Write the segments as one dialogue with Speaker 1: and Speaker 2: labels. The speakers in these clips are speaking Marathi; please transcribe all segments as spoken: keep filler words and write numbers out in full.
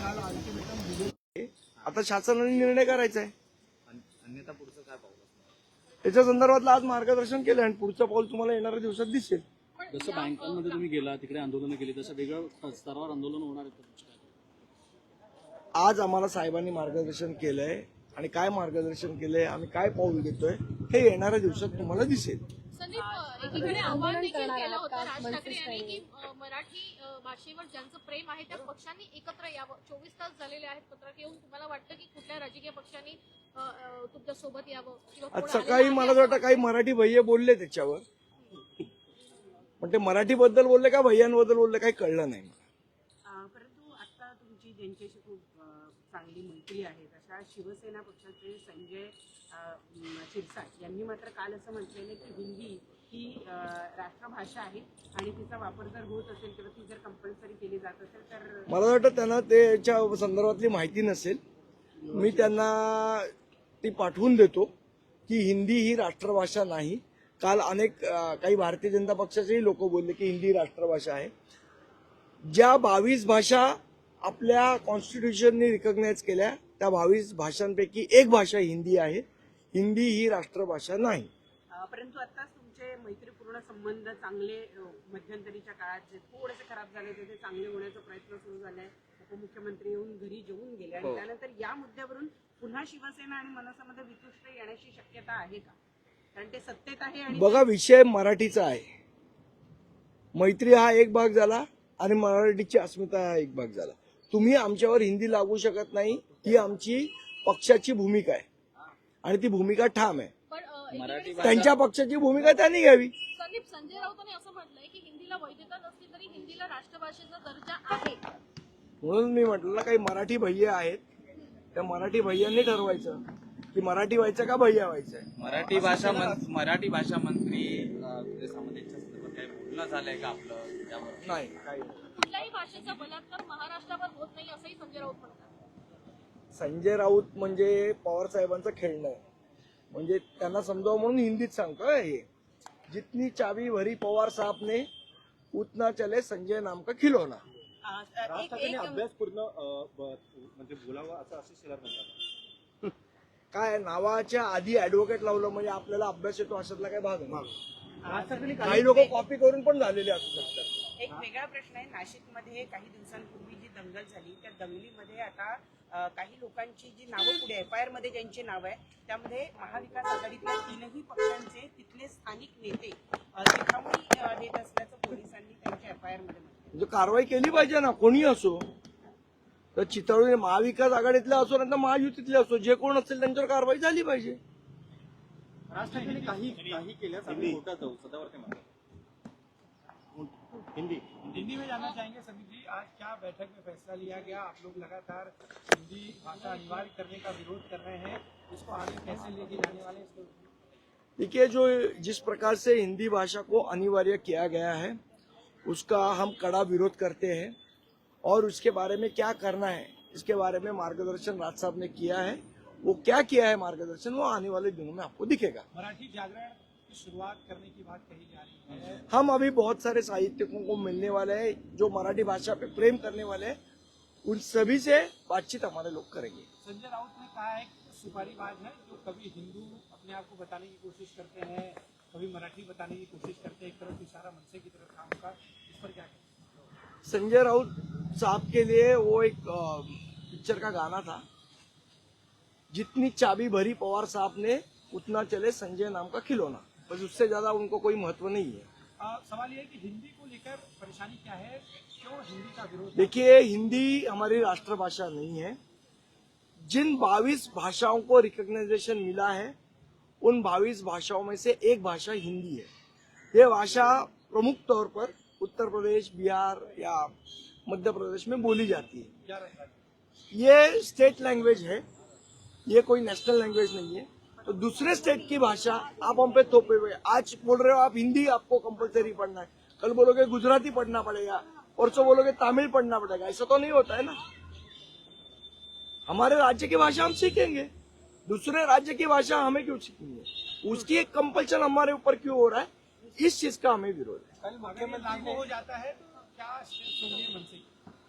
Speaker 1: काल अल्टिमेटम दिले, आता शासनाने निर्णय करायचा आहे.
Speaker 2: अन्यथा पुढचं काय पाऊल असणार?
Speaker 1: त्याच्या संदर्भातलं आज मार्गदर्शन केलं आणि पुढचं पाऊल तुम्हाला येणाऱ्या दिवसात दिसेल.
Speaker 3: जसं बँकांमध्ये तुम्ही गेला तिकडे आंदोलन केली तसं वेगळं स्तरावर आंदोलन होणार आहे.
Speaker 1: आज आम्हाला साहेबांनी मार्गदर्शन केलंय आणि काय मार्गदर्शन केलंय, आम्ही काय पाऊल घेतोय हे येणाऱ्या दिवसात तुम्हाला दिसेल.
Speaker 4: संदीप, एकीकडे आव्हान देखील केलं होतं राज ठाकरे यांनी की मराठी भाषेवर ज्यांचं प्रेम आहे त्या पक्षांनी एकत्र यावं. चोवीस तास झालेले आहेत पत्रक येऊन. तुम्हाला वाटतं की कुठल्या राजकीय पक्षांनी तुमच्या सोबत यावं किंवा
Speaker 1: आज सकाळी मला वाटतं काही मराठी भैया बोलले त्याच्यावर, पण ते मराठी बद्दल बोलले का भैयांबद्दल बोलले काही कळलं नाही.
Speaker 5: परंतु आता तुमची ज्यांच्याशी खूप चांगली मैत्री आहे अशा शिवसेना पक्षाचे संजय शिरसाट यांनी मात्र काल असं म्हटलेलं की हिंदी ही राष्ट्रभाषा आहे आणि तिचा वापर जर होत असेल किंवा ती जर कंपल्सरी केली जात असेल तर
Speaker 1: मला वाटतं त्यांना त्याच्या संदर्भातली माहिती नसेल. मी त्यांना ती पाठवून देतो की हिंदी ही राष्ट्रभाषा नाही. काल अनेक काही भारतीय जनता पक्षाचेही लोक बोलले की हिंदी राष्ट्रभाषा आहे. ज्या बावीस भाषा आपल्या कॉन्स्टिट्यूशनने रिकॉग्नाइज केल्या त्या बावीस भाषांपैकी एक भाषा हिंदी आहे. हिंदी ही राष्ट्रभाषा नाही.
Speaker 5: परंतु आताच तुमचे मैत्रीपूर्ण संबंध चांगले मध्यंतरीच्या काळात जे थोडेसे खराब झाले होते ते चांगले होण्याचा प्रयत्न सुरू झालाय. उपमुख्यमंत्री येऊन घरी जेवून गेले आणि त्यानंतर या मुद्द्यावरून पुन्हा शिवसेना आणि मनसेमध्ये वितुष्ट येण्याची शक्यता आहे का? कारण ते सत्तेत आहे आणि
Speaker 1: बघा, विषय मराठीचा आहे. मैत्री हा एक भाग झाला आणि मराठीची अस्मिता हा एक भाग झाला. तुम्ही आमच्यावर हिंदी लागू शकत नाही, ही आमची पक्षाची भूमिका आहे आणि ती भूमिका ठाम आहे. त्यांच्या पक्षाची भूमिका त्यांनी घ्यावी.
Speaker 4: संदीप, संजय राऊतांनी असं म्हटलंय की हिंदीला वैधता नसली तरी हिंदीला राष्ट्रभाषेचा दर्जा आहे.
Speaker 1: म्हणून मी म्हटलं काही मराठी भैया आहेत, त्या मराठी भैयांनी ठरवायचं की मराठी व्हायचं का भैया व्हायचंय.
Speaker 2: मराठी भाषा मराठी भाषा मंत्री सामंतांच्या संदर्भात काही बोलणं झालंय का आपलं त्यावर?
Speaker 1: नाही, काही
Speaker 4: कुठल्याही भाषेचा बलात्कार महाराष्ट्रावर होत नाही असंही संजय राऊत म्हणतात.
Speaker 1: संजय राऊत म्हणजे पवार साहेबांचं खेळणं आहे. म्हणजे त्यांना समजावं म्हणून हिंदीत सांगतोय. हे जितनी चाबी भरी पवार साहब ने उतना चले संजय नाम का खिलौना.
Speaker 6: राज ठाकरेंनी अभ्यास पूर्ण म्हणजे बोलावा असं असे शिलार म्हणतात.
Speaker 1: काय नावाच्या आधी ऍडव्होकेट लावलं म्हणजे आपल्याला अभ्यास येतो अशातला काय भाग नाही. काही लोक कॉपी करून पण झालेले असू शकतात.
Speaker 5: एक वेगळा प्रश्न आहे. नाशिकमध्ये काही दिवसांपूर्वी जी दंगल झाली त्या दंगलीमध्ये आता काही लोकांची जी नावं पुढे एफ आय आर मध्ये ज्यांची नाव आहे त्यामध्ये महाविकास आघाडीतल्या तीनही पक्षांचे तिथले स्थानिक नेते चिथावणी देत असल्याचं पोलिसांनी त्यांच्या एफ आय आर मध्ये
Speaker 1: म्हणजे कारवाई केली पाहिजे ना, कोणी असो. तर चितळी महाविकास आघाडीतले असो नाही तर महायुतीतले असो, जे कोण असेल त्यांच्यावर कारवाई झाली पाहिजे.
Speaker 6: राज ठाकरे काही काही केल्यास आम्ही कोर्टात जाऊ सदावर ते म्हणतात. हिंदी
Speaker 7: हिंदी में जानना चाहेंगे सभी जी, आज क्या बैठक में फैसला लिया गया? आप लोग लगातार हिंदी भाषा अनिवार्य करने का विरोध कर रहे हैं, इसको आगे कैसे लेके जाने वाले हैं?
Speaker 1: देखिए, जो जिस प्रकार से हिंदी भाषा को अनिवार्य किया गया है उसका हम कड़ा विरोध करते हैं और उसके बारे में क्या करना है इसके बारे में मार्गदर्शन राज साहब ने किया है. वो क्या किया है मार्गदर्शन वो आने वाले दिनों में आपको दिखेगा.
Speaker 7: मराठी जागरण की शुरुआत करने की बात कही जा रही है.
Speaker 1: हम अभी बहुत सारे साहित्यकों को मिलने वाले हैं जो मराठी भाषा पे प्रेम करने वाले हैं. उन सभी से बातचीत हमारे लोग करेंगे.
Speaker 7: संजय राउत ने कहा है कि सुपारीबाज है जो कभी हिंदू अपने आप को बताने की कोशिश करते हैं, कभी मराठी बताने की कोशिश करते हैं, एक तरफ इशारा मनसे की तरफ काम का. इस पर क्या कहें?
Speaker 1: संजय राउत साहब के लिए वो एक पिक्चर का गाना था, जितनी चाबी भरी पवार साहब ने उतना चले संजय नाम का खिलौना. बस उससे ज्यादा उनको कोई महत्व नहीं है.
Speaker 7: आ, सवाल ये है कि हिंदी को लेकर परेशानी क्या है, क्यों हिंदी का विरोध?
Speaker 1: देखिए, हिंदी हमारी राष्ट्रभाषा नहीं है. जिन बाईस भाषाओं को रिकॉग्नाइजेशन मिला है उन बाईस भाषाओं में से एक भाषा हिंदी है. ये भाषा प्रमुख तौर पर उत्तर प्रदेश, बिहार या मध्य प्रदेश में बोली जाती है. ये स्टेट लैंग्वेज है, ये कोई नेशनल लैंग्वेज नहीं है. तो दूसरे स्टेट की भाषा आप हम पे थोपे हुए. आज बोल रहे हो आप हिंदी आपको कंपलसरी पढ़ना है, कल बोलोगे गुजराती पढ़ना पड़ेगा, परसों बोलोगे तमिल पढ़ना पड़ेगा. ऐसा तो नहीं होता है ना. हमारे राज्य की भाषा हम सीखेंगे, दूसरे राज्य की भाषा हमें क्यों सीखेंगे? उसकी एक कंपल्शन हमारे ऊपर क्यों हो रहा है, इस चीज का हमें विरोध है.
Speaker 7: कल मुख्यमंत्री लागू हो जाता है तो क्या स्टेप्स होंगे मनसे?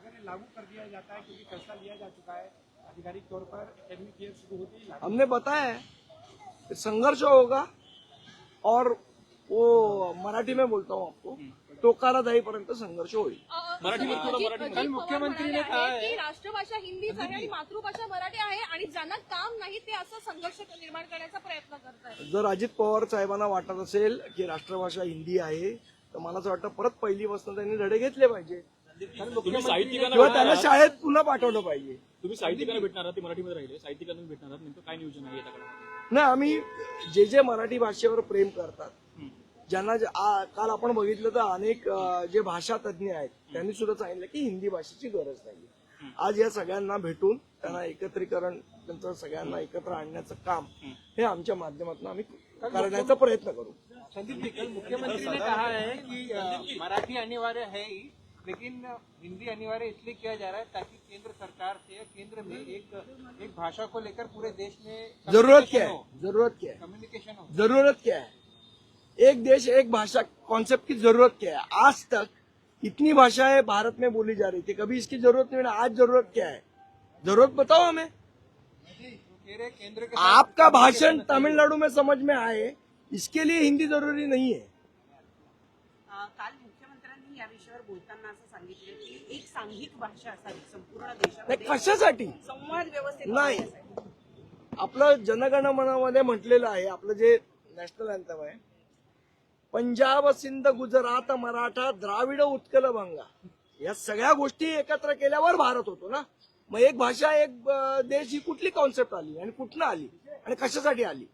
Speaker 7: करें लागू कर दिया जाता है, क्योंकि फैसला लिया जा चुका है आधिकारिक तौर पर एकेडमिक ईयर शुरू होते ही लागू।
Speaker 1: हमने बताया है कि संघर्ष होगा और वो मराठी में बोलता हूँ आपको, टोकाला जाईपर्यंत संघर्ष होईल.
Speaker 3: मराठीवर थोडं मराठी
Speaker 8: अजित मुख्यमंत्रीने की राष्ट्रभाषा हिंदीच आहे आणि मातृभाषा मराठी आहे आणि ज्यांना काम नाही ते असं संघर्ष निर्माण करण्याचा प्रयत्न करतायत.
Speaker 1: जर अजित पवार साहेबांना वाटत असेल की राष्ट्रभाषा हिंदी आहे तर मला असं वाटतं परत पहिलीपासून त्यांनी धडे घेतले पाहिजे
Speaker 3: तुम्ही साहित्यिकांना
Speaker 1: किंवा त्यांना
Speaker 3: भेटणार आहात?
Speaker 1: शाळेत पुन्हा पाठवलं पाहिजे.
Speaker 3: तुम्ही साहित्यिकांना भेटणार आहात, ते मराठीमध्ये राहिले साहित्यिकांना तुम्ही भेटणार आहात, नेमकं काय नियोजन आहे याच्याकडे?
Speaker 1: नाही, आम्ही जे जे मराठी भाषेवर प्रेम करतात, ज्यांना जे- आ- काल आपण बघितलं तर अनेक अ, जे भाषा तज्ज्ञ आहेत त्यांनी सुद्धा सांगितलं की हिंदी भाषेची गरज नाही. आज या सगळ्यांना भेटून त्यांना एकत्रीकरण, त्यांचं सगळ्यांना एकत्र आणण्याचं काम हे आमच्या माध्यमातून आम्ही करण्याचा प्रयत्न करू.
Speaker 7: संदीप जी, कल मुख्यमंत्री ने कहा है कि अ, मराठी अनिवार्य है ही, लेकिन हिंदी अनिवार्य इसलिए किया जा रहा है ताकि केंद्र सरकार से केंद्र में एक एक भाषा को लेकर पूरे देश में
Speaker 1: जरूरत क्या है? जरूरत क्या है?
Speaker 7: कम्युनिकेशन हो.
Speaker 1: जरूरत क्या है? एक देश एक भाषा कॉन्सेप्ट की जरूरत क्या है? आज तक इतनी भाषाएं भारत में बोली जा रही थी, कभी इसकी जरूरत नहीं. आज जरूरत क्या है? जरूरत बताओ हमें.
Speaker 7: कह रहे केंद्र के
Speaker 1: आपका भाषण तमिलनाडु में समझ में आए इसके लिए हिंदी जरूरी नहीं है.
Speaker 5: अ, काल मुख्यमंत्र्यांनी या विषयावर बोलताना असं सांगितलं की एक सांघिक भाषा असावी संपूर्ण
Speaker 1: नाही,
Speaker 5: देशामध्ये,
Speaker 1: कशासाठी
Speaker 5: संवाद व्यवस्थित
Speaker 1: नाही.
Speaker 5: होण्यासाठी.
Speaker 1: आपलं जनगणमनामध्ये म्हटलेलं आहे, आपलं जे नॅशनल अँथम आहे, पंजाब सिंध गुजरात मराठा द्राविड उत्कल बंगा, या सगळ्या गोष्टी एकत्र केल्यावर भारत होतो ना. मग एक भाषा एक अ, देश ही कुठली कॉन्सेप्ट आली आणि कुठनं आली आणि कशासाठी आली?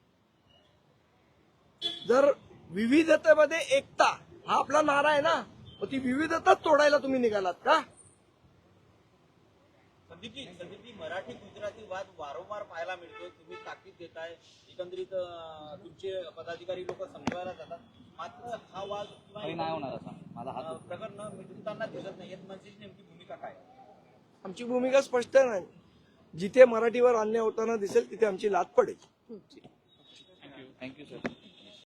Speaker 1: जर विविधतेमध्ये एकता हा आपला नारा आहे ना, मग ती विविधताच तोडायला तुम्ही निघालात का?
Speaker 9: संदीपजी संदीपजी मराठी गुजराती वाद वारंवार पाहायला मिळतोय. तुम्ही ताकीद देताय, एकंदरीत अं, तुमचे पदाधिकारी लोक समजवायला जातात, मात्र हा वाद किंवा अं, प्रकरण मिटवताना दिसत नाही. यात म्हणजे नेमकी भूमिका काय?
Speaker 1: आमची भूमिका स्पष्ट आहे ना. जिथे मराठीवर अन्याय होताना दिसेल तिथे आमची लात पडेल.
Speaker 2: Thank you sir.